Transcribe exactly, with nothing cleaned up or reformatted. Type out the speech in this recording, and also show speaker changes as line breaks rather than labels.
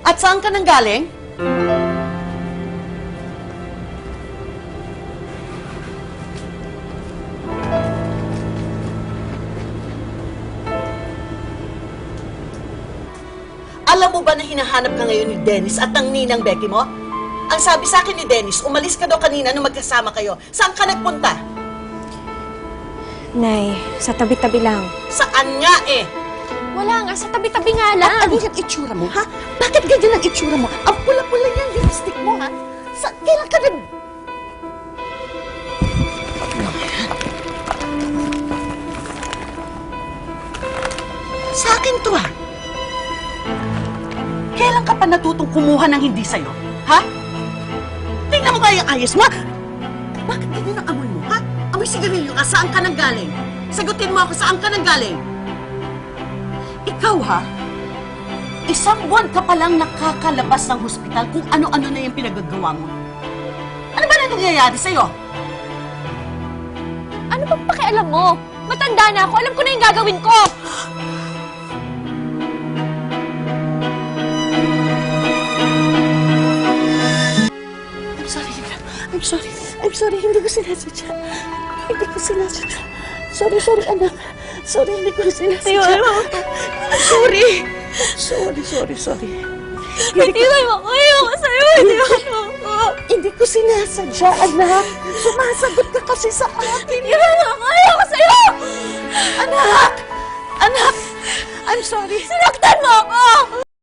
At saan ka nang galing? Alam mo ba na hinahanap ka ngayon ni Dennis at ng ninang Becky mo? Ang sabi sa akin ni Dennis, umalis ka daw kanina nung magkasama kayo. Saan ka nagpunta?
Nay, sa tabi-tabi lang.
Saan nga eh?
Wala nga, sa tabi-tabi nga lang.
At ano yung itsura mo, ha? Bakit ganyan ang itsura mo? Ang pula-pula yung lipstick mo, ha? Sa, kailan ka nag... Sa akin to, ha? Kailan ka pa natutong kumuha ng hindi sa'yo, ha? Tingnan mo kaya yung ayos mo! Bakit ganyan ang amoy mo, ha? Amoy sigarilyo ka, saan ka nang galing? Sagutin mo ako, saan ka nang galing? Ikaw, ha? Isang buwan ka palang nakakalabas ng hospital kung ano-ano na yung pinagagawa mo. Ano ba na nangyayari sa'yo?
Ano bang pakialam mo? Matanda na ako, alam ko na yung gagawin ko!
I'm sorry, I'm sorry, I'm sorry, hindi ko sinasadya. Hindi ko sinasadya. Sorry, sorry, anak. Sorry, hindi ko sinasadya. I'm sorry. Sorry, sorry, sorry.
Hindi ko makayo ko sa'yo, hindi ko makayo.
Hindi ko sinasadya, anak. Sumasagot ka kasi sa akin.
Hindi ko makayo ko sa'yo!
Anak! Anak! I'm sorry.
Sinaktan mo ako!